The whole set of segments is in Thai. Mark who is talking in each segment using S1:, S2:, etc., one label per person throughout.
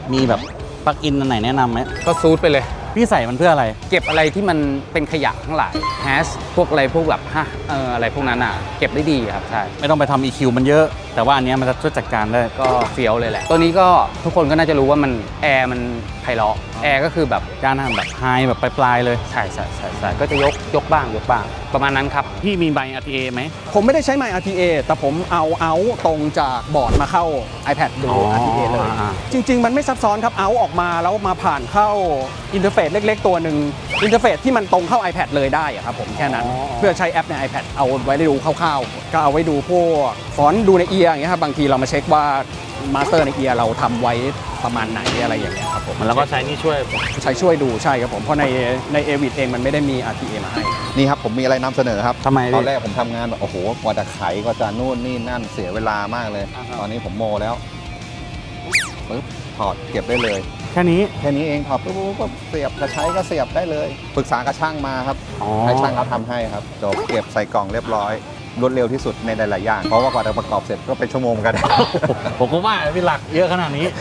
S1: มีแบบปลั๊กอินอันไหนแนะนำไหม
S2: ก็ซูดไปเลย
S1: พี่ใส่มันเพื่ออะไร
S2: เก็บอะไรที่มันเป็นขยะทั้งหลายแฮชพวกอะไรพวกแบบอะไรพวกนั้นอ่ะเก็บได้ดีครับใช่
S1: ไม่ต้องไปทำ EQ มันเยอะแต่ว่าอันนี้มันจะช่วยจัดการได้
S2: ก็เฟี้ยวเลยแหละตัวนี้ก็ทุกคนก็น่าจะรู้ว่ามันแอร์มันไพเราะแอร์ก็คือแบบ
S1: การทำแบบไฮแบบปลายๆเลย
S2: ใช่ก็จะยกบ้างประมาณนั้นครับ
S1: พี่มีใบ RTA ไหม
S3: ผมไม่ได้ใช้ไมค์ RTA แต่ผมเอาตรงจากบอร์ดมาเข้า iPad ดู RTA เลยจริงๆมันไม่ซับซ้อนครับเอาออกมาแล้วมาผ่านเข้าอินเทอร์เฟซเล็กๆตัวหนึ่งอินเทอร์เฟซที่มันตรงเข้า iPad เลยได้ครับผมแค่นั้นเพื่อใช้แอปใน iPad เอาไว้ดูคร่าวๆก็เอาไว้ดูพวกฟอนต์ดูในเอียร์อย่างเงี้ยครับบางทีเรามาเช็คว่ามาสเตอร์ในเอียร์เราทำไว้ประมาณไหนอะไรอย่างเงี้ยครับผม
S1: แล้วก็ใช้นี่
S3: ช่วยดูใช่ครับผมเพราะในเอวิดเองมันไม่ได้มี RTA มาให้
S4: นี่ครับผมมีอะไรนำเสนอครับ
S1: ทำไม
S4: ตอนแรกผมทำงานแบบโอ้โหกว่าจะไขก็จะนู่นนี่นั่นเสียเวลามากเลยตอนนี้ผมโมแล้วปึ๊บถอดเก็บได้เลย
S1: แค่นี้
S4: เองถอดปุ๊บเสียบจะใช้ก็เสียบได้เลยปรึกษากับช่างมาครับให้ช่างเขาทำให้ครับจบเก็บใส่กล่องเรียบร้อยรวดเร็วที่สุดในหลายๆอย่างเพราะว่ากว่าจะประกอบเสร็จก็เป็นชั่วโมงกัน
S1: ผมก็ว่าพี่หลักเยอะขนาดนี้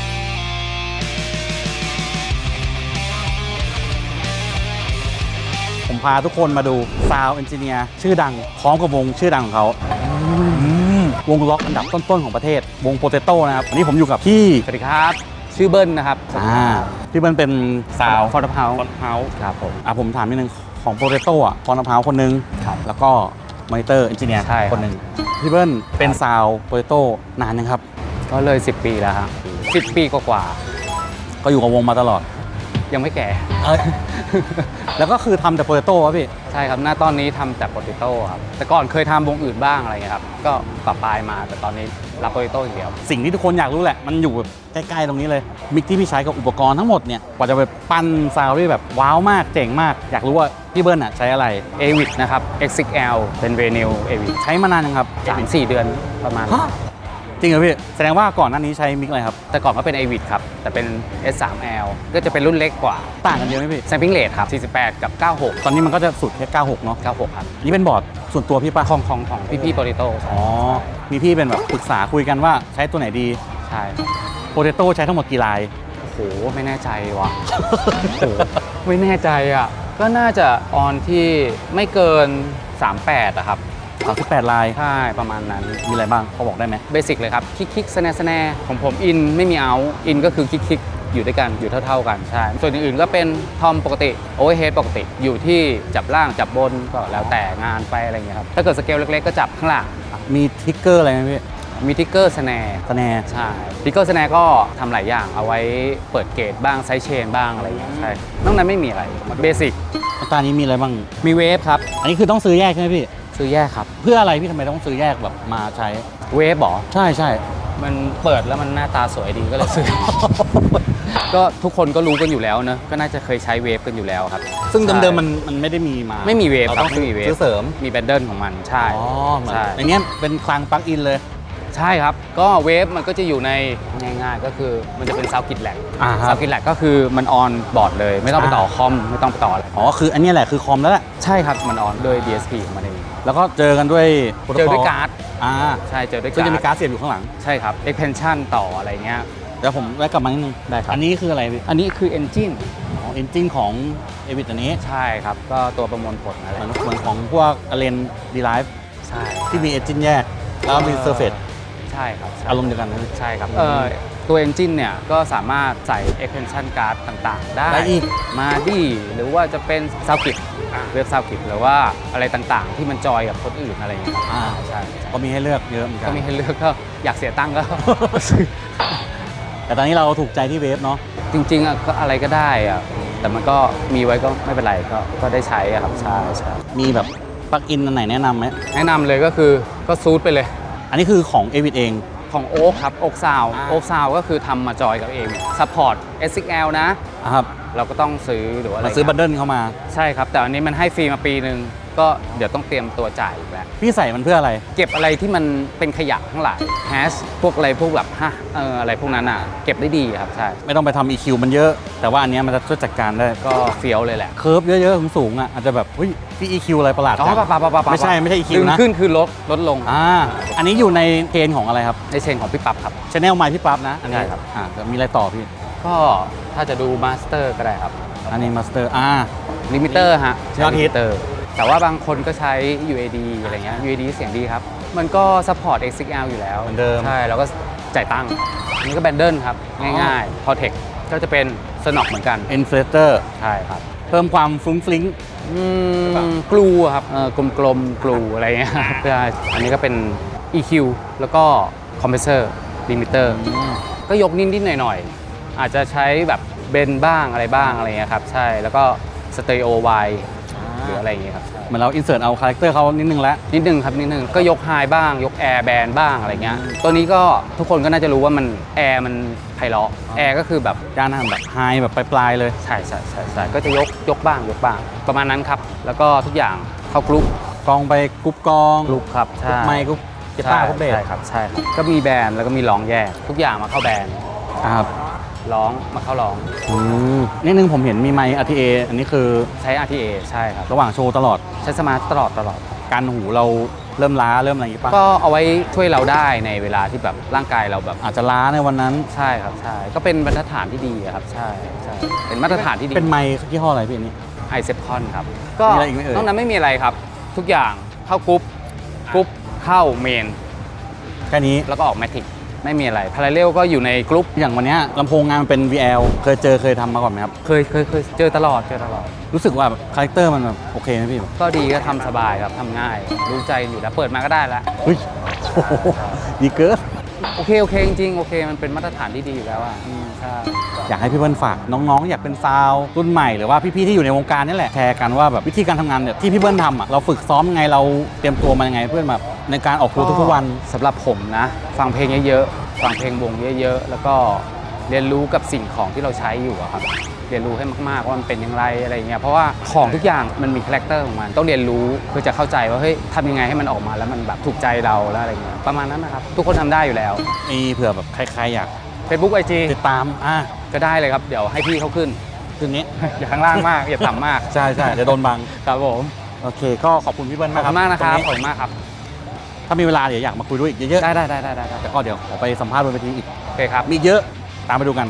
S1: ผมพาทุกคนมาดูซาวด์เอนจิเนียร์ชื่อดังพร้อมกับวงชื่อดังของเขาวงล็อกอันดับต้นๆของประเทศวงโปเตโต้นะครับวันนี้ผมอยู่กับพี่
S2: สวัสดีครับชื่อเบิ้ลนะครับ
S1: พี่เบิ้ลเป็นซาวด์
S2: ฟอนต์เฮา
S1: ครับผมถามนิดนึงของโปเตโต้อะฟอนต์เฮาคนนึงแล้วก็มอนิเตอร์เอนจิเนียร์คนหนึ่งพี่เบิ้ลเป็นซาวโปเตโต้นานยังครับ
S2: ก็เลย10 ปีแล้วครับ10 ปีกว่า
S1: ก็อยู่กับวงมาตลอด
S2: ยังไม่แก่
S1: แล้วก็คือทำแต่โปเตโต้ครับพี่
S2: ใช่ครับหน้าตอนนี้ทำแต่โปเตโต้ครับแต่ก่อนเคยทำวงอื่นบ้างอะไรเงี้ยครับก็ปรับปลายมาแต่ตอนนี้รับโปเตโต้อย่างเดียว
S1: สิ่งที่ทุกคนอยากรู้แหละมันอยู่แบบใกล้ๆตรงนี้เลยมิกที่พี่ใช้กับอุปกรณ์ทั้งหมดเนี่ยกว่าจะไปปั้นซาวด์ที่แบบว้าวมากเจ๋งมากอยากรู้ว่าพี่เบิ้ลใช้อะไร
S2: AVID นะครับ XXL เป็น Vinyl AVID
S1: ใช้มานานยังครับ
S2: 3-4 เดือนประมาณ
S1: จริงเหรอพี่แสดงว่าก่อนหน้านี้ใช้มิกอะไรครับ
S2: แต่ก่อนก็เป็น AVID ครับแต่เป็น S3L ก็จะเป็นรุ่นเล็กกว่า
S1: ต่างกันเยอะไหมพี่
S2: Sampling Rate ครับ48กับ96
S1: ตอนนี้มันก็จะสุดแค่96เนาะ
S2: 96ครับ
S1: นี่เป็นบอร์ดส่วนตัวพี่ป่ะ
S2: ของพี่โปเตโต้
S1: มีพี่เป็นแบบปรึกษาคุยกันว่าใช้ตัวไหนดี
S2: ใช่
S1: โปเตโต้ใช้ทั้งหมดกี่ลาย
S2: โอ้โหไม่แน่ใจว่ะไม่แน่ใจอ่ะก็น่าจะออนที่ไม่เกิน38อะครับ
S1: 38ลาย
S2: ใช่ประมาณนั้น
S1: มีอะไรบ้างเขาบอกได้ไหม
S2: เบสิกเลยครับคิกสแนร์ของผมอินไม่มีเอาอินก็คือคิกอยู่ด้วยกันอยู่เท่ากันใช่ส่วนอื่นๆก็เป็นทอมปกติโอเวอร์เฮดปกติอยู่ที่จับล่างจับบนก็แล้วแต่งานไปอะไรเงี้ยครับถ้าเกิดสเกลเล็กๆก็จับข้างล่าง
S1: มีทิกเกอร์อะไรไหมพี่
S2: มีทิกเกอร์สแนร์ใช่ทิกเกอร์สแนร์ก็ทำหลายอย่างเอาไว้เปิดเกตบ้างไซส์เชนบ้างอะไรอย่างเงี้ยใช่นอกนั้นไม่มีอะไรเบสิก
S1: ตอนนี้มีอะไรบ้าง
S2: มีเวฟครับ
S1: อันนี้คือต้องซื้อแยกใช่ไหมพี่
S2: ซื้อแยกครับ
S1: เพื่ออะไรพี่ทำไมต้องซื้อแยกแบบมาใช้
S2: เวฟหรอ
S1: ใช่
S2: มันเปิดแล้วมันหน้าตาสวยดีก็เลยซื้อ ก็ทุกคนก็รู้กันอยู่แล้วนะก็น่าจะเคยใช้เวฟกันอยู่แล้วครับ
S1: ซึ่งเดิมๆมันไม่ได้มีมา
S2: ไม่มีเวฟ
S1: ครับไม่มีเวฟ
S2: เสริมมีแบนเดิลของมันใช่
S1: อย่างเงี้ยเป็นคลังปลั๊กอินเลย
S2: ใช่ครับก็เวฟมันก็จะอยู่ในง่ายๆก็คือมันจะเป็นซาวด์กิทแลกซาวด์กิทแลกก็คือมันออนบอร์ดเลยไม่ต้องไปต่อคอมไม่ต้องไปต่ออะไร
S1: คืออันนี้แหละคือคอมแล้วแหละ
S2: ใช่ครับมันออนด้วย DSP ของมันเอง
S1: แล้วก็เจอกันด้วย
S2: การ์ดใช่เจอด้วยการ์ด
S1: ซึ่งจะมีการ์ดเสียบอยู่ข้างหลัง
S2: ใช่ครับ expansion ต่ออะไรเงี้ย
S1: เดี๋ยวผมแวะกลับมานิดนึง
S2: ได้ครับ
S1: อันนี้คืออะไรพี่
S2: อันนี้คือ engine
S1: engine ของ AVID อันนี้
S2: ใช่ครับก็ตัวประมวลผลอะไร
S1: เหมือนของพวก Allen Derive
S2: ใช่
S1: ที่มี engine แยกแล้วมี surface
S2: ใช่ครับ
S1: อารมณ์เดียวกัน
S2: ใช่ครับตัว engine เนี่ยก็สามารถใส่ expansion card ต่างๆได้มาดีหรือว่าจะเป็นซาวด์กิทเว็บซาวด์กิทหรือว่าอะไรต่างๆที่มันจอยกับคนอื่นอะไรอย่างเงี้ย
S1: ใช่ก็มีให้เลือกเยอะเหมือนกัน
S2: ก็มีให้เลือกก็อยากเสียตังค์ก็
S1: แต่ตอนนี้เราถูกใจที่เวฟเนาะ
S2: จริงๆก็อะไรก็ได้อะแต่มันก็มีไว้ก็ไม่เป็นไรก็ได้ใช้ครับใช่
S1: มีแบบปลั๊กอินอันไหนแนะนำไหม
S2: แนะนำเลยก็คือก็ซูดไปเลย
S1: อันนี้คือของ AVID เอง
S2: ของโอ๊คครับโอ๊คซาวก็คือทำมาจอยกับเองซัพพอร์ต SXL นะครับเราก็ต้องซื้อหรือว่าอะไร
S1: ซื้อบันเดิลเข้ามา
S2: ใช่ครับแต่อันนี้มันให้ฟรีมาปีนึงก็เดี๋ยวต้องเตรียมตัวจ่ายอีกแล้ว
S1: พี่ใส่มันเพื่ออะไร
S2: เก็บอะไรที่มันเป็นขยะทั้งหลายแฮชพวกอะไรพวกแบบอะไรพวกนั้นอ่ะเก็บได้ดีครับใช่
S1: ไม่ต้องไปทำ EQ มันเยอะ แต่ว่าอันเนี้ยมันจะช่วยจัดการได้
S2: ก็เฟี้ยวเลยแหละ
S1: เคิร์ฟเยอะๆสูงๆอ่ะอาจจะแบบเฮ้ยพี่ EQ อะไรประหลาด
S2: อ๋อ
S1: จัง
S2: ปะ
S1: ไม่ใช่ EQ
S2: ดึง
S1: นะ
S2: ขึ้นคือลดลง
S1: อันนี้อยู่ในเกณฑ์ของอะไรครับ
S2: ในเชนของพี่ปั๊บครับ
S1: ชแนลไมค์พี่ปั๊บนะอันนี้
S2: ใช่ครับ
S1: แล้วมีอะไรต่อพี่
S2: ก็ถ้าจะดูมาสเตอร์ก็ได้ครับ
S1: อันนี้มาสเตอร์
S2: ลิมิเตอร์ฮะ
S1: ยอดฮิต
S2: เตอร์แต่ว่าบางคนก็ใช้ UAD อะไรเงี้ย UAD เสียงดีครับ มันก็ซัพพอร์ต XLR อยู่แล้ว
S1: เหมือนเดิม
S2: ใช่แล้วก็จ่ายตังค์อันนี้ก็แบนเดิลครับ ง่ายๆ พอเทคก็จะเป็นสนอกเหมือนกัน
S1: อินเฟลเตอร์
S2: ใช่ครับ
S1: เพิ่มความฟรุ้งฟริ้ง
S2: กลูครับกลมๆกลูอะไรเงี้ยเพื่ออันนี้ก็เป็น EQ แล้วก็คอมเพรสเซอร์ลิมิเตอร์ก็ยกนิดๆหน่อยๆ อาจจะใช้แบบเบนบ้างอะไรบ้างอะไรเงี้ยครับใช่แล้วก็สเตอริโอไวหรืออะไรอย่างเงี้ยครับ
S1: เหมือนเราอินเสิร์ตเอาคาแรคเตอร์เขานิดนึงแล้ว
S2: นิดนึงครับนิดนึงก็ยกไฮบ้างยกแอร์แบนบ้างอะไรเงี้ยตัวนี้ก็ทุกคนก็น่าจะรู้ว่ามันแอร์มันไพเราะแอร์ก็คือแบบ
S1: การทำแบบไฮแบบปลายๆเลย
S2: ใช่ก็จะยกบ้างประมาณนั้นครับ แล้วก็ทุกอย่างเข้ากรุ๊ป
S1: กองไปกรุ๊ปกอง
S2: กรุ๊ปครับใช่
S1: ไมค์กรุ๊ปกีตาร์กรุ๊ปเบส
S2: ใช่ครับก็มีแบนด์แล้วก็มีร้องแยกทุกอย่างมาเข้าแบนด์
S1: ครับ
S2: ร้องมาเข้าร้อง
S1: นิดนึงผมเห็นมีไมค์ RTA อันนี้คือ
S2: ใช้ RTA ใช่ครับ
S1: ระหว่างโชว์ตลอด
S2: ใช้สมาร์ทตลอด
S1: การหูเราเริ่มล้าเริ่มอะไรอย่างงี้ป่ะ
S2: ก็เอาไว้ช่วยเราได้ในเวลาที่แบบร่างกายเราแบบ
S1: อาจจะล้าในวันนั้น
S2: ใช่ครับใช่ก็เป็นมาตรฐานที่ดีอะครับใช่เป็นมาตรฐานที่ดี
S1: เป็นไมค์ยี่ห้ออะไรพี่อันนี้
S2: ไอเซปคอนครับก็
S1: มีอะไรอีกไหมเอ่ย
S2: นอกนั้นไม่มีอะไรครับ ทุกอย่างเข้ากรุ๊ปเข้าเมน
S1: แค่นี้
S2: แล้วก็ออกแมทริกไม่มีอะไรพาราเรลก็อยู่ในกรุ๊ป
S1: อย่างวันเนี้ยลำโพงงานมันเป็น VL เคยทำมาก่อนไหมครับ
S2: เคยเจอตลอด
S1: รู้สึกว่าแบบคาแรคเตอร์มันแบบโอเคไหมพี่
S2: ก็ดีก็ทำสบายครับทำง่ายรู้ใจอยู่แล้วเปิดมาก็ได้แล้ว
S1: เฮ้ยโอ้โหดีเกิน
S2: โอเคจริงๆโอเคมันเป็นมาตรฐานที่ดีอยู่แล้วอ่ะใช่
S1: อยากให้พี่เบิ้ลฝากน้องๆ อยากเป็นซาวด์รุ่นใหม่หรือว่าพี่ๆที่อยู่ในวงการนี่แหละแชร์กันว่าแบบวิธีการทำงานเนี่ยที่พี่เบิ้ลทำอ่ะเราฝึกซ้อมยังไงเราเตรียมตัวมายังไงเพื่อแบบในการออกทัวร์ทุกๆวัน
S2: สำหรับผมนะ ฟังเพลงเยอะๆฟังเพลงวงเยอะๆแล้วก็เรียนรู้กับสิ่งของที่เราใช้อยู่อะครับเรียนรู้ให้มากๆว่ามันเป็นอย่างไรอะไรเงี้ยเพราะว่าของทุกอย่างมันมีคาแรคเตอร์ของมันต้องเรียนรู้เพื่อจะเข้าใจว่าเฮ้ยทำยังไงให้มันออกมาแล้วมันแบบถูกใจเราแล้วอะไรเงี้ยประมาณนั้นนะครับทุกคนทำได้อยู่แล้ว
S1: มีเผื่อแบบใครๆอยาก
S2: Facebook IG
S1: ติดตาม
S2: ก็ได้เลยครับเดี๋ยวให้พี่เขาขึ้น
S1: คืนนี้
S2: อย่าข้างล่างมากอย่าต่ำมาก
S1: ใช่เดี๋ยวโดนบัง
S2: ครับผม
S1: โอเคก็ขอบคุณพี่เบิ้ล
S2: ขอบคุณมากนะครับ
S1: ตง
S2: ขอบคุณมากครับ
S1: ถ้ามีเวลาเดี๋ยวอยากมาคุยด้วยอีกเยอะ
S2: ได้
S1: ๆแล้วก็เดี๋ยวขอไปสัมภาษณ์บนเวทีอีก
S2: โอเคครับ
S1: มีเยอะตามไปดูกัน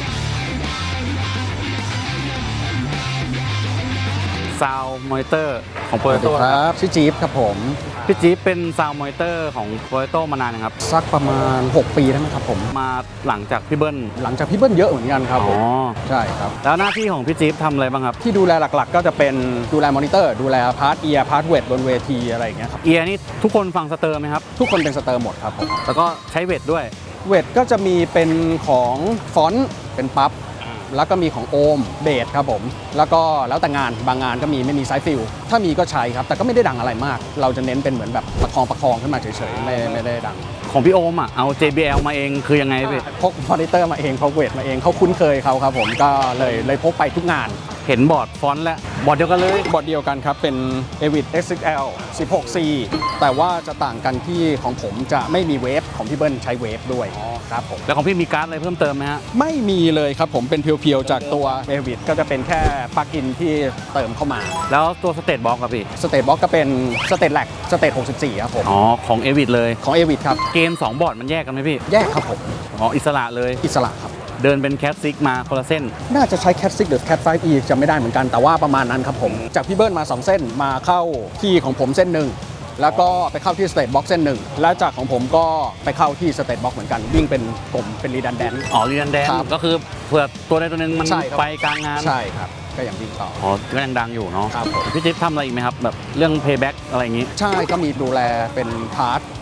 S1: ซาวมอนิเตอร์ของโปร
S3: สวัส
S1: โต
S3: ดีครับชื่อจี๊บครับผม
S1: พี่จี๊บเป็นซาวมอนิเตอร์ของโปรโตมานานนะครับ
S3: สักประมาณ 6 ปีแล้วมั้งครับผม
S1: มาหลังจากพี่เบิ้ล
S3: หลังจากพี่เบิ้ลเยอะเหมือนกันครับผมใช่ครับ
S1: แล้วหน้าที่ของพี่จี๊บทำอะไรบ้างครับ
S3: ที่ดูแลหลักๆ ก็จะเป็นดูแลมอนิเตอร์ดูแลพาร์ทเอียร์พาร์ทเวทบนเวทีอะไรอย่างเงี้ยครับ
S1: เอียนี่ทุกคนฟังสเตอร์ไหมครับ
S3: ทุกคนเป็นสเตอร์หมดครับผม
S1: แล้วก็ใช้เวทด้วย
S3: เวทก็จะมีเป็นของฟอนต์เป็นปั๊บแล้วก็มีของโอมเบสครับผมแล้วก็แล้วแต่งานบางงานก็มีไม่มีไซส์ฟิลถ้ามีก็ใช้ครับแต่ก็ไม่ได้ดังอะไรมาก เราจะเน้นเป็นเหมือนแบบประคองขึ้นมาเฉยๆไม่ได้ดัง
S1: ของพี่โอมเอา JBL มาเองคือยังไงพี่
S3: พกมอนิเตอร์มาเองพกเวทมาเองเขาคุ้นเคยเขาครับผมก็เลยพกไปทุกงาน
S1: เห็นบอร์ดฟอนต์แล้วบอร์ดเดียวกันเลย
S3: บอร์ดเดียวกันครับเป็น Avid XXL 16C แต่ว่าจะต่างกันที่ของผมจะไม่มีเวฟของพี่เบิ้ลใช้เวฟด้วยครับผม
S1: แล้วของพี่มีการ์ดอะไรเพิ่มเติมไหมฮะ
S3: ไม่มีเลยครับผมเป็นเพียวๆจากตัว Avid ก็จะเป็นแค่ปลั๊กอินที่เติมเข้ามา
S1: แล้วตัวสเตตบ็อกครับพี่
S3: สเตตบ็อกก็เป็นสเตตแลกสเตต64ครับผม
S1: อ๋อของเอวิดเลย
S3: ของ Avid ครับ
S1: เกณฑ์2บอร์ดมันแยกกันไหมพี่
S3: แยกครับผม
S1: อ๋ออิสระเลย
S3: อิสระครับ
S1: เดินเป็นแคทซิกมาคนละเส้น
S3: น่าจะใช้ Cat 6 หรือ Cat 5e จะไม่ได้เหมือนกันแต่ว่าประมาณนั้นครับผมจากพี่เบิ้ลมา 2 เส้นมาเข้าที่ของผมเส้นหนึ่งแล้วก็ไปเข้าที่ State Box เส้นหนึ่งแล้วจากของผมก็ไปเข้าที่ State Box เหมือนกันวิ่งเป็นกลมเป็น redundant
S1: อ๋อเรียนแดน
S3: ครับ
S1: ก็คือเผื่อตัวใดตัวหนึงมัน
S3: ใช่ครับ
S1: ไปกลางงาน
S3: ใช่ครับก็อย่างวิ่งต่อ
S1: อ๋อก็ยังดังอยู่เนาะ
S3: ครับผม
S1: พี่จิ๊บทำอะไรอีกไหมครับแบบเรื่อง payback อะไรอย่างงี้
S3: ใช่ก็มีดูแลเป็นพาร์ท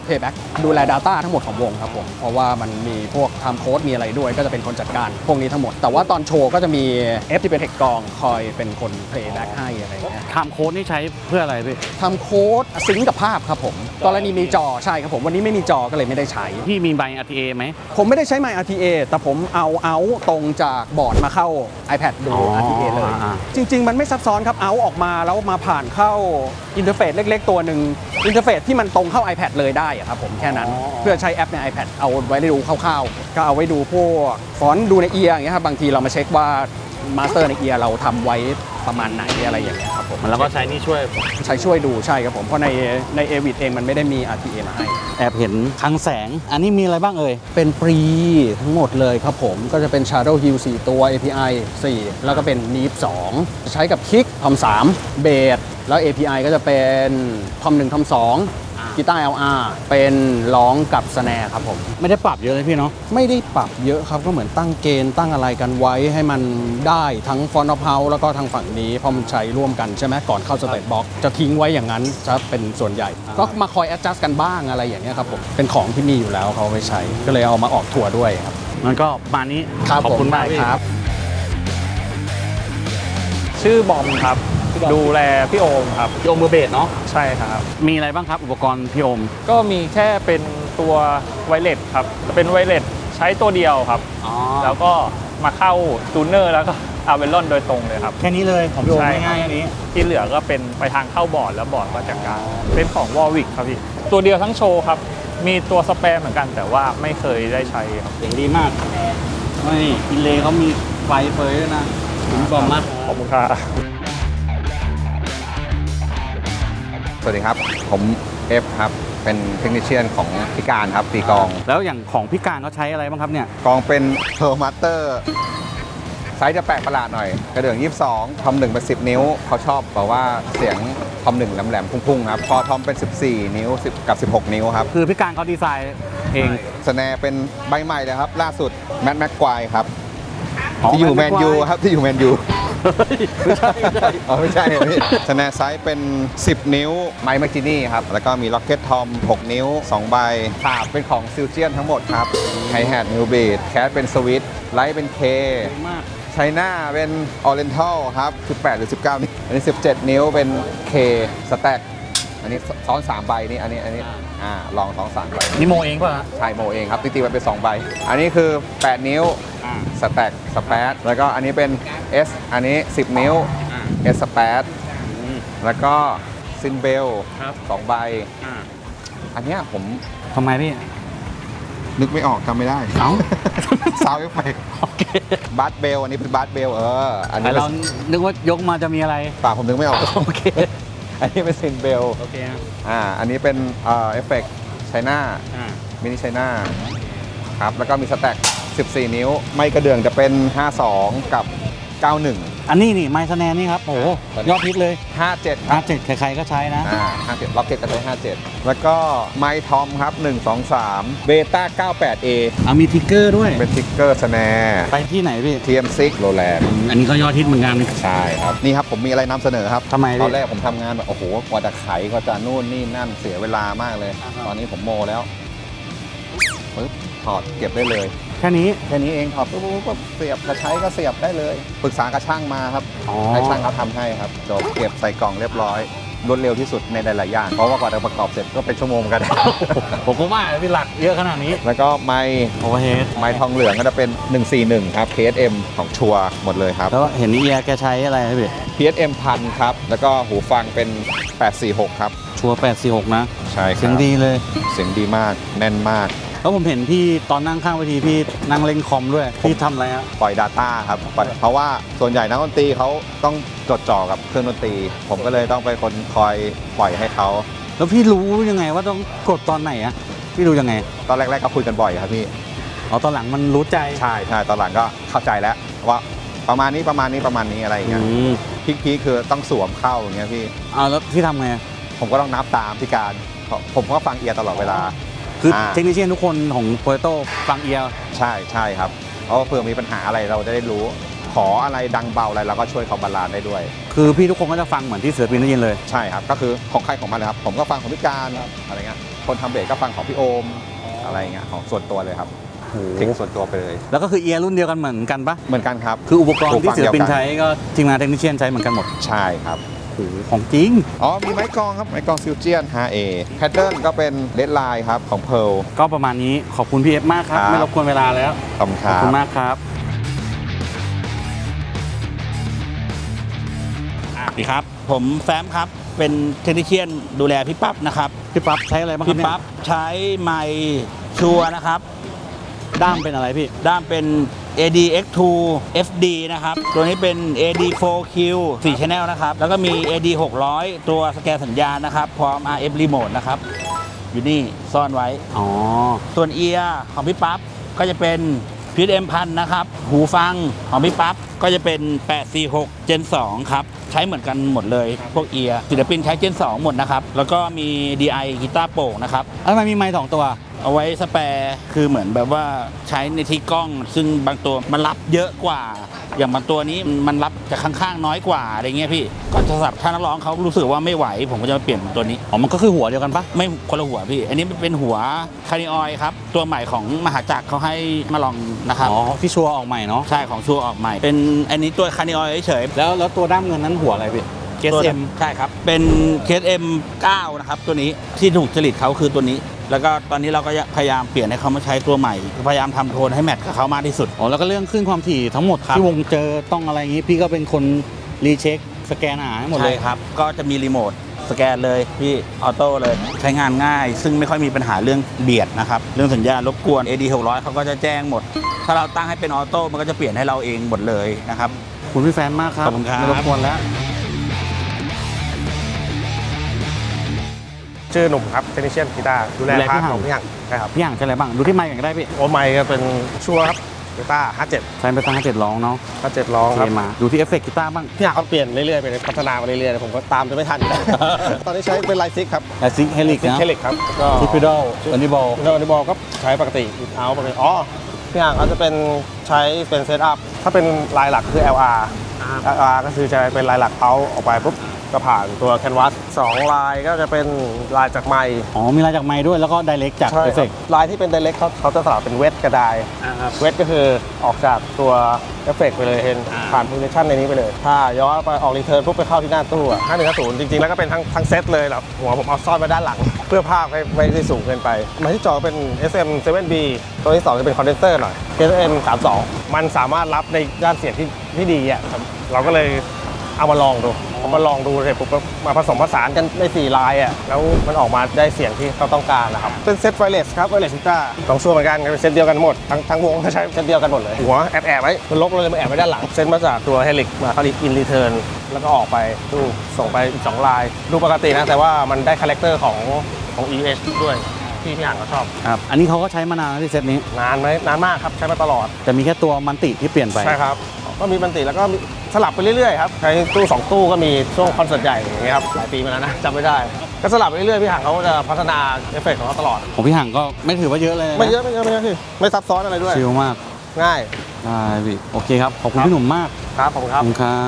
S3: Payback ดูแล Data ทั้งหมดของวงครับผมเพราะว่ามันมีพวก Time Code มีอะไรด้วยก็จะเป็นคนจัดการพวกนี้ทั้งหมดแต่ว่าตอนโชว์ก็จะมี F ที่เป็นเทคกองคอยเป็นคน Playback ให้อะไรอย่างเงี้ย
S1: ไทม์โค้ดนี่ใช้เพื่ออะไรพี่
S3: ทำโค้ดซิงก์กับภาพครับผมกรณีมีจอใช่ครับผมวันนี้ไม่มีจอก็เลยไม่ได้ใช้
S1: พี่มีใบ RTA ไหม
S3: ผมไม่ได้ใช้ My RTA แต่ผมเอาตรงจากบอร์ดมาเข้า iPad ดู RTA เลย จริง ๆ มันไม่ซับซ้อนครับเอาออกมาแล้วมาผ่านเข้าอินเทอร์เฟซเล็ก ๆ ตัวหนึ่งอินเทอร์เฟซที่มันตรงเข้า iPad เลยได้อะครับผมแค่นั้นเพื่อใช้แอปใน iPad เอาไว้ได้ดูคร่าวๆก็เอาไว้ดูพวกฟอนต์ดูในเอียร์อย่างเงี้ยครับบางทีเรามาเช็คว่ามาสเตอร์ในเอียร์เราทำไว้ประมาณไหนอะไรอย่างเงี้ยครับผม
S1: แล้วก็ใช้นี่ช่วย
S3: ใช้ช่วยดูใช่ครับผมเพราะในเอวิดเองมันไม่ได้มี RTA มาให้
S1: แอบเห็นคลังแสง อันนี้มีอะไรบ้างเอ่ย
S3: เป็นฟรีทั้งหมดเลยครับผมก็จะเป็น Shadow Hill 4 ตัว API 4 แล้วก็เป็น Neep 2 ใช้กับ Kick Tom 3 เบสแล้ว API ก็จะเป็น Tom 1 Tom 2กีตาร์ LR เป็นร้องกับสแนร์ครับผม
S1: ไม่ได้ปรับเยอะเลยพี่เนาะ
S3: ไม่ได้ปรับเยอะครับก็เหมือนตั้งเกณฑ์ตั้งอะไรกันไว้ให้มันได้ทั้ง Front of House แล้วก็ทางฝั่งนี้เพราะมันใช้ร่วมกันใช่ไหมก่อนเข้า State Box จะทิ้งไว้อย่างนั้นจะเป็นส่วนใหญ่ ก็มาคอย adjust กันบ้างอะไรอย่างเงี้ยครับผมเป็นของที่มีอยู่แล้วเขาเอาไปใช้ก็เลยเอามาออกทัวร์ด้วยครับ
S1: มันก็มานี้ ขอบคุณมากพี่
S3: ครับ
S5: ชื่อบอมครับ ดูแลพี่โอมครับ
S1: พี่โอมมือเบสเนาะ
S5: ใช่ครับ
S1: มีอะไรบ้างครับอุปกรณ์พี่โอม
S5: ก็มีแค่เป็นตัวไวเลสครับเป็นไวเลสใช้ตัวเดียวครับ
S1: อ๋อ
S5: แล้วก็มาเข้าตูเนอร์แล้วก็อาเวลอนโดยตรงเลยครับ
S1: แค่นี้เลยของพี่โอม
S5: ใช่ครับ
S1: ง่ายๆแค่นี้
S5: ที่เหลือก็เป็นไปทางเข้าบอร์ดแล้วบอร์ดก็จัดการเป็นของวอลวิกครับพี่ ตัวเดียวทั้งโชว์ครับ มีตัวสแปรเหมือนกันแต่ว่าไม่เคยได้ใช้ครับ
S1: เสียงดีมากนี่อินเลย์เขามีไฟเฟยด้วยนะถึงบอมมาก
S5: ขอบคุณครับ
S4: สวัสดีครับ ผมเอฟครับ เป็นเทคนิชเชียนของพิการครับตีกลอง
S1: แล้วอย่างของพี่การเขาใช้อะไรบ้างครับเนี่ย
S4: กลองเป็นเทอร์มาสเตอร์ไซส์จะแปลกประหลาดหน่อย กระเดื่อง 22 ทอม 1 เป็น 10 นิ้ว เขาชอบบอกว่าเสียงทอม 1 แหลมๆ พุ่งๆ ครับ พอทอมเป็น 14 นิ้ว10กับ 16 นิ้วครับ
S1: คือพี่การเขาดีไซน์เอง
S4: สแนร์เป็นใบใหม่เลยครับ ล่าสุดแมทแม็กควายครับ
S1: อ๋อ
S4: ที่อยู่แม
S1: Matt
S4: นยู
S1: McGuire
S4: ครับ ที่อยู่แมนยู
S1: ไม่ใช่ไม่ใช่
S4: อ๋อไม่ใช่พี่สแนร์ไซส์เป็น 10 นิ้วไมค์แมคจินี่ครับ แล้วก็มีล็อกเก็ตทอม 6 นิ้ว 2 ใบขาบเป็นของซิลเจียนทั้งหมดครับไฮแฮทนิวเบสแคสเป็นสวิตไลท์เป็นเค
S1: มาก
S4: ไชน่าเป็นออเรนทัลครับ 18 หรือ 19 นิ้วอันนี้ 17 นิ้วเป็น K สแต็กอันนี้ซ้อน 3 ใบนี่อันนี้ลองซ้อน 3 ใบ
S1: นี่โมเองป่ะฮะ
S4: ใช่โมเองครับตีๆไว้เป็น 2 ใบ อันนี้คือ 8 นิ้วสแต็กสแปดแล้วก็อันนี้เป็น S อันนี้ 10 นิ้ว S สแปดแล้วก็ซินเบล
S1: ครับ
S4: 2 ใบ อันเนี้ยผม
S1: ทำไมพี่
S4: นึกไม่ออกจำไม่ได้
S1: เอ้า
S4: ซาวเอฟเฟก
S1: โอเค
S4: บัสเบลอันนี้เป็นบัสเบลอัน
S1: แต่
S4: นี้
S1: เรานึกว่ายกมาจะมีอะไร
S4: ป่าผมนึกไม่ออก
S1: โอเค
S4: อันนี้เป็นซินเบล
S1: โอเคฮะ
S4: อันนี้เป็นเอฟเฟกต์ไชน่ามินิไชน่าครับ แล้วก็มีสแต็ก 14 นิ้ว ไม่กระเดื่องจะเป็น 52 กับ 91
S1: อันนี้นี่ไมซ์แนนนี่ครับ โอ้โหยอดฮิตเลย
S4: 57 ครับ
S1: 57ใครๆก็ใช้นะ
S4: 57ล็อกเก็ตก็ใช้57 แล้วก็ไมทอมครับ 1 2 3 เบต้า 98A
S1: เอามีทิกเกอร์ด้วย
S4: เป็นทิกเกอร์สแนร์
S1: ไปที่ไหนพี่
S4: TM6 โรแลนด์
S1: อันนี้ก็ยอดฮิตเหมือนกัน
S4: ใช่ครับ นี่ครับ ผมมีอะไรนำเสนอครับ
S1: ทำไมพี่
S4: ตอนแรกผมทำงานแบบ โอ้โห กว่าจะไขกว่าจะนู่นนี่นั่นเสียเวลามากเลย ตอนนี้ผมโมแล้วปึ๊บถอดเก็บได้เลย
S1: แค่นี้
S4: แค่นี้เองถอดปุ๊บเสียบกระใช้ก็เสียบได้เลยปรึกษากับช่างมาครับ
S1: อ๋อ
S4: ให้ช่างเขาทำให้ครับจบเก็บใส่กล่องเรียบร้อยรวดเร็วที่สุดในหลายๆอย่างเพราะว่ากว่าจะประกอบเสร็จก็เป็นชั่วโมงกัน
S1: ผมก็ว่าพี่หลักเยอะขนาดนี้
S4: แล้วก็ไม้
S1: โอเวอร์เฮด
S4: ทองเหลืองก็จะเป็น 141 ครับ KSM ของชัวร์หมดเลยครับ
S1: แล้วเห็นนี่เอียแกใช้อะไรนะพี่
S4: PSM 1000ครับแล้วก็หูฟังเป็น 846 ครับ
S1: ชัวร์846นะ
S4: ใช่ครับ
S1: เสียงดีเลย
S4: เสียงดีมากแน่นมาก
S1: แล้วผมเห็นพี่ตอนนั่งข้างเวทีพี่นั่งเล่นคอมด้วยพี่ทำอะไรฮะ
S4: ปล่อย Data ครับเพราะว่าส่วนใหญ่นักดนตรีเขาต้องจดจ่อกับเครื่องดนตรี ผมก็เลยต้องไปคนคอยปล่อยให้เขา
S1: แล้วพี่รู้ยังไงว่าต้องกดตอนไหนอะพี่รู้ยังไง
S4: ตอนแรกๆก็คุยกันบ่อยครับพี่
S1: อ๋อตอนหลังมันรู้ใจ
S4: ใช่ตอนหลังก็เข้าใจแล้วว่าประมาณนี้อะไรอย่างเงี้ย
S1: อืม
S4: พีคคือต้องสวมเข้าอย่างเงี้ยพี่
S1: เอาแล้วพี่ทำไง
S4: ผมก็ต้องนับตามพี่การผมก็ฟังเอียร์ตลอดเวลา
S1: คือเทคนิคเชียนทุกคนของโปรโตฟังเอียร์
S4: ใช่ครับเพราะว่าเผื่อมีปัญหาอะไรเราจะได้รู้ ขออะไรดังเบาอะไรเราก็ช่วยเขาบาลานซ์ได้ด้วย
S1: คือพี่ทุกคนก็จะฟังเหมือนที่เสือปีนได้ยินเลย
S4: ใช่ครับก็คือของใครของมันเลยครับผมก็ฟังของพี่การอะไรเงี้ยคนทำเบสก็ฟังของพี่โอมอะไรเงี้ยของส่วนตัวเลยครับเทคส่วนตัวไปเลย
S1: แล้วก็คือเอียร์รุ่นเดียวกันเหมือนกันปะ
S4: เหมือนกันครับ
S1: คืออุปกรณ์ที่ศิลปิน
S4: หูฟังเดียวกัน
S1: ใช้ก็ทีมงานเทคนิคเชียนใช้เหมือนกันหมด
S4: ใช่ครับ
S1: โอ้โหของจริง
S4: อ๋อมีไม้กลองครับไม้กลองซิลเจียน 5A แพทเทิร์นก็เป็นเลดไลน์ครับของเพร์ล
S1: ก็ประมาณนี้ขอบคุณพี่เอฟมากครับ
S4: ครับ
S1: ไม่รบกวนเวลาแล้ว
S4: ขอบคุณค
S1: ขอบ
S4: รับ
S1: คุณมากครับ
S6: สวัสดีครับ ผมแฟมครับ เป็นเทคนิคเชียนดูแลพี่ปั๊บนะครับ
S1: พี่ปั๊บใช้อะไรบ้างครับ
S6: พี่
S1: เนี่ย
S6: ปั๊บใช้ไมค์ชัวร์นะครับ
S1: ด้ามเป็นอะไรพี่
S6: ด้ามเป็น ADX2 FD นะครับ ตัวนี้เป็น AD4Q 4 Channel นะครับ แล้วก็มี AD600 ตัวสแกนสัญญาณนะครับ พร้อม RF Remote นะครับ อยู่นี่ซ่อนไว้
S1: อ๋อ
S6: ส่วนเอียร์ของพี่ปั๊บก็จะเป็น PSM 1000นะครับ หูฟังของพี่ปั๊บก็จะเป็น 846 Gen 2 ครับ ใช้เหมือนกันหมดเลย พวกเอียร์ศิลปินใช้ Gen 2 หมดนะครับ แล้วก็มี DI กีตาร์โปร่งนะครับ
S1: แล้วทำไมมีไมค์2ตัว
S6: เอาไว้สแปร์คือเหมือนแบบว่าใช้ในที่กล้อง ซึ่งบางตัวมันรับเยอะกว่า อย่างบางตัวนี้มันรับจากข้างๆน้อยกว่าอะไรเงี้ยพี่ ก็จะสำหรับถ้านักร้องเขารู้สึกว่าไม่ไหว ผมก็จะมาเปลี่ยนเป็นตัวนี้
S1: อ๋อ มันก็คือหัวเดียวกันปะ
S6: ไม่คนละหัวพี่ อันนี้เป็นหัวคาริออยครับ ตัวใหม่ของมหาจักรเขาให้มาลองนะครับ
S1: อ๋อที่ชัวร์ออกใหม่เนาะ
S6: ใช่ของชัวร์ออกใหม่ เป็นอันนี้ตัวคาริออยเฉย
S1: แล้วตัวด้ามเงินนั้นหัวอะไรพี่
S6: ตัว
S1: KSM
S6: ใช่ครับ เป็น KSM 9 นะครับ ตัวนี้ที่ถูกจริตเขาคือตัวนี้ แล้วก็ตอนนี้เราก็พยายามเปลี่ยนให้เขามาใช้ตัวใหม่ พยายามทำโทนให้แมทกับเขามากที่สุด
S1: อ๋อ แล้วก็เรื่องขึ้นความถี่ทั้งหมด
S6: ครับ
S1: ที่วงเจอต้องอะไรอย่างงี้ พี่ก็เป็นคนรีเช็คสแกนหาให้หมดเลย
S6: ใช่ครับ ก็จะมีรีโมทสแกนเลยพี่ออโต้เลย ใช้งานง่าย ซึ่งไม่ค่อยมีปัญหาเรื่องเบียดนะครับ เรื่องสัญญาณรบกวน AD 600เขาก็จะแจ้งหมด ถ้าเราตั้งให้เป็นออโต้มันก็จะเปลี่ยนให้เราเองหมดเลยนะครับ
S1: ขอบคุณพี่แฟนมากครับ
S6: ขอบคุณครับ
S1: ไม่รบกวนแล้ว
S7: ชื่อหนุ่มครับเทคนิคเชียนกีตาร์ดูแล
S1: ดูแล
S7: พา
S1: พี่
S7: ร์ท
S1: หำ
S7: ของพี่หังใช่ครับ
S1: พี่อย่างใช้อะไรบ้าง ดูที่ไมค์กันก็ได้พี่
S7: โอไมค์ก็เป็นชัวร์ครับกีตาร์57
S1: ใช้ไปตั้ง7ร้องเนาะ
S7: 57ร้อง
S1: โอ
S7: ครับ
S1: เคมา ดูที่เอฟเฟกต์กีตาร์บ้าง
S7: พี่หังเขาเปลี่ยนเรื่อยๆไปพัฒนามาเรื่อยๆผมก็ตามจะไม่ทัน ตอนนี้ใช้เป็นไลซิกครับ
S1: แอซิกเฮลิกนะ
S7: เคลิกครับก็
S1: ทิปปิดอลอันนี้บอล
S7: โนนิบอลก็ใช้ปกติเอาปกติอ๋อพี่หังเขาจะเป็นใช้เป็นเซตอัพถ้าเป็นลายหลักคือ LR ก็คือจะเป็นลายหลักเอาออกไปปุ๊บก็ผ่านตัวแคนวาส2ลายก็จะเป็นลายจากไมค์
S1: อ๋อ มีลายจากไมค์ด้วย แล้วก็ไดเรกจาก
S7: ใช่
S1: เอฟ
S7: ค
S1: เฟ
S7: รั
S1: ก
S7: บ
S1: ต์
S7: ลายที่เป็น direct เขาจะสลับเป็นเวทกระดายเวทก็คือออกจากตัวเอฟเฟกต์ไปเลยเห็นผ่านโพซิชันในนี้ไปเลย ถ้าย้อนไปออกรีเทิร์นปุ๊บไปเข้าที่หน้าตู้อะ5150จริงๆ แล้วก็เป็นทั้งเซตเลยแบบหัวผมเอาซ่อนไว้ด้านหลัง เพื่อภาพไม่ได้สูงเกินไปมาที่จอเป็น SM 7B ตัวที่ 2 จะเป็นคอนเดนเซอร์หน่อย SM 32มันสามารถรับในด้านเสียงที่ดีอ่ะครับเราก็เลยเอามาลองดูเสร็จปุ๊บก็มาผสมผสานกันใน4ลายอ่ะแล้วมันออกมาได้เสียงที่เขาต้องการนะครับเป็นเซตไวเลสครับไวเลสกีตาร์ต้องช่วยเหมือนกันเป็นเซตเดียวกันหมดทั้งวงก็ใช้เซตเดียวกันหมดเลยหัวแอบไว้มันลบเลยมันแอบไว้ด้านหลังเซตมาจากตัวเฮลิกมาเขาเรียกอินรีเทิร์นแล้วก็ออกไปตู้ส่งไปอีก2ลายดูปกตินะแต่ว่ามันได้คาแรคเตอร์ของ EH ด้วยที่พี่อ่านก็ชอบ
S1: ครับ อันนี้เขาก็ใช้มานานแล้วที่เซตนี้
S7: นานไหมนานมากครับใช้มาตลอด
S1: แต่มีแค่ตัวมันติที่เปลี่ยนไป
S7: ใช่ครับก็มีบันติแล้วก็มีสลับไปเรื่อยๆครับใช้ตู้2ตู้ก็มีช่วงคอนเสิร์ตใหญ่อย่างเงี้ยครับหลายปีมาแล้วนะจำไม่ได้ก็สลับไปเรื่อยๆพี่หังเขาก็จะพัฒนาเอฟเฟกต์ของเขาตลอด
S1: ของพี่ห่างก็ไม่ถือว่าเยอะเลยนะ
S7: ไม่เยอะพี่ไม่ซับซ้อนอะไรด้วย
S1: ชิลมาก
S7: ง่าย
S1: ได้พี่โอเคครับ ขอบคุณพี่หนุ่มมาก
S7: ครับผมค
S1: ข
S7: รั
S1: อบบ คุณครับ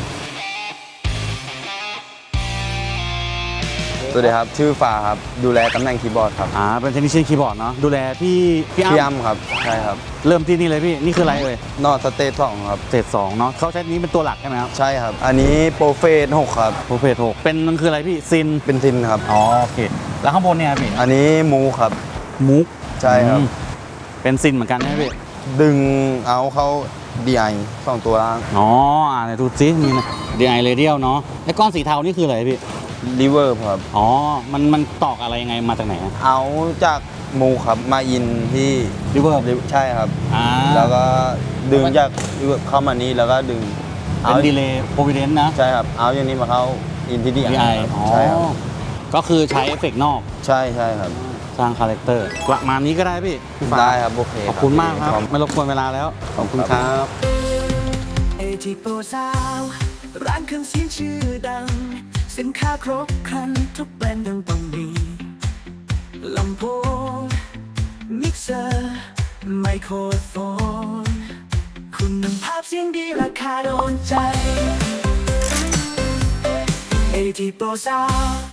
S8: สวัสดีครับ ชื่อฟ้าครับ ดูแลตำแหน่งคีย์บอร์ดครับ
S1: เป็นเทคนิคเชียนคีย์บอร์ดเนาะ ดูแลพี่
S8: พี่
S1: อ้ำ
S8: อ้ำครับ ใช่ครับ
S1: เริ่มที่นี่เลยพี่ นี่คืออะไรเอ่ย
S8: นอตสเตท2ครับ
S1: เศษ2เนาะเขาใช้นี้เป็นตัวหลักใช่ไหมครับ
S8: ใช่ครับ อันนี้โปรเฟส6ครับ
S1: โปรเฟส6เป็นมันคืออะไรพี่ ซิน
S8: เป็นซินครับ
S1: อ๋อโอเค แล้วข้างบนเนี่ยพี่
S8: อันนี้มูครับ
S1: มุก
S8: ใช่ครับ
S1: เป็นซินเหมือนกันใช่ไหมพี่
S8: ดึงเอาเข้า DI 2ตัวล่าง
S1: อ๋อไหนดูซิมีนะ DI Radial เนาะไอ้ก้อนสีเทานี่คืออะไรพี่
S8: รีเวิร์บครับ
S1: อ๋อ มันตอกอะไรยังไงมาจากไหน
S8: เอาจากมูครับ มาอินที่
S1: ริเวอร์
S8: ใช่ครับ
S1: แล้
S8: แล้ว วก็ดึงจากรีเวิร์บเข้ามานี้แล้วก็ดึง
S1: เป็นดีเลย์โปรวิเดนต์นะ
S8: ใช่ครับ เอาอย่างนี้มาเข้าอินที่ DI
S1: DI
S8: ครับ
S1: อ๋อ
S8: ใช่ครับ
S1: ก็คือใช้เอฟเฟกต์นอก
S8: ใช่ครับ
S1: สร้างคาแรคเตอร์ประมาณนี้ก็ได้พี่ฟ้า
S8: ได้ครับ โอเค
S1: ขอบคุณมากครับ ไม่รบกวนเวลาแล้ว ขอบคุณครับ
S9: เอทีโปรซาวร้านเครื่องเสียงชื่อดัง สินค้าครบครันทุกแบรนด์ดังต้องมีลำโพงมิกเซอร์ไมโครโฟนคุณภาพเสียงดีราคาโดนใจเอทีโปรซาว